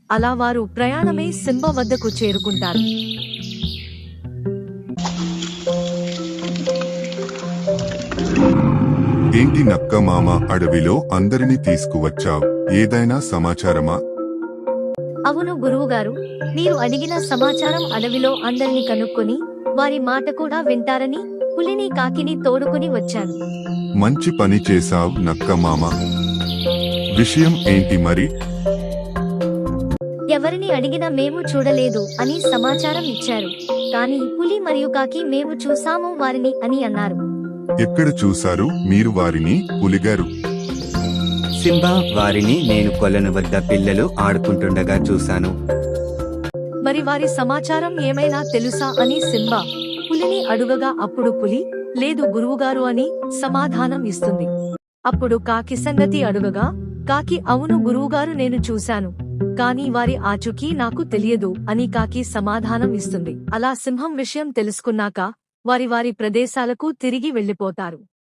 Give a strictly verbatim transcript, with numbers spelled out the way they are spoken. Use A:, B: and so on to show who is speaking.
A: అలా వారు ప్రయాణమై సింబా వద్దకు చేరుకుంటారు.
B: ఏంటి నక్క మామ, అడవిలో అందరిని తీసుకువచ్చావ్, ఏదైనా సమాచారమా?
A: అవును గురువుగారు, మీరు అడిగిన సమాచారం అడవిలో అందరిని కనుక్కొని వారి మాట కూడా వింటారని పులిని కాకిని తోడుకుని వచ్చాను.
B: మంచి పని చేశావ్ నక్క మామ. విషయం ఏంటి మరి?
A: ఎవరిని అడిగినా మేము చూడలేదు అని సమాచారం ఇచ్చారు. కానీ పులి మరియు కాకి మేము చూసాము వారిని అని అన్నారు.
B: ఎక్కడ చూశారు మీరు వారిని, పులిగారు?
C: సింబా, వారిని నేను కొలను వద్ద పిల్లలు ఆడుకుంటుండగా చూశాను.
A: మరి వారి సమాచారం ఏమైనా తెలుసా అని సింబా పులిని అడుగగా అప్పుడు పులి, లేదు గురువుగారు అని సమాధానం ఇస్తుంది. అప్పుడు కాకి సంగతి అడుగగా కాకి, అవును గురువుగారు, నేను చూశాను, కానీ వారి ఆచూకీ నాకు తెలియదు అని కాకి సమాధానం ఇస్తుంది. అలా సింహం విషయం తెలుసుకున్నాక వారి వారి ప్రదేశాలకు తిరిగి వెళ్లిపోతారు.